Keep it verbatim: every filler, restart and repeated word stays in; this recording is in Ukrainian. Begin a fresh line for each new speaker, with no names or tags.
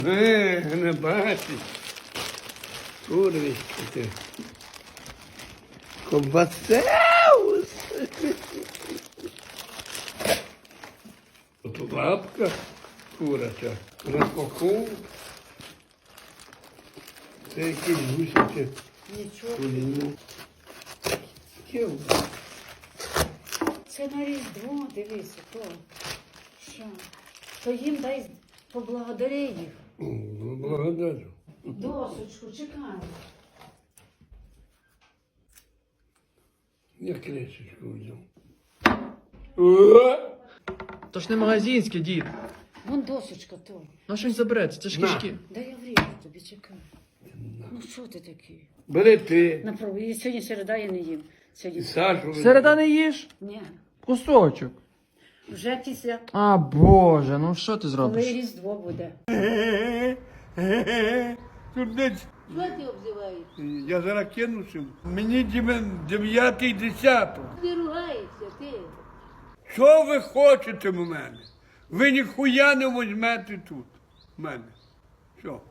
Е, не бачиш. Курочка ти. Ковбасеус. Тут лапка куряча. На боку. Це якісь гусячі.
Нічого.
Куліну.
Це на Різдво, дивися, то. Що? То їм дай поблагодари їх.
Ну, благодарю.
Досочку, чекай.
Я кресочку взяв.
То ж не магазинське, дід.
Вон досочка то.
Ну що він забереться, це ж
На.
кишки.
Да я вріжу тобі, чекай. Ну що ти такий?
Бери ти.
Направо, і сьогодні середа я не їм.
І
Сьогодні.
Сашу.
Середа не їж?
Ні.
Кусочок.
Вже після,
А, Боже, ну що ти
коли
зробиш?
Різдво буде.
Турниць.
Що ти обзиваєш?
Я зараз кинувся. Мені дев'ятий десяток.
Ти ругаєшся, ти.
Що ви хочете в мене? Ви ніхуя не візьмете тут. В мене. Що?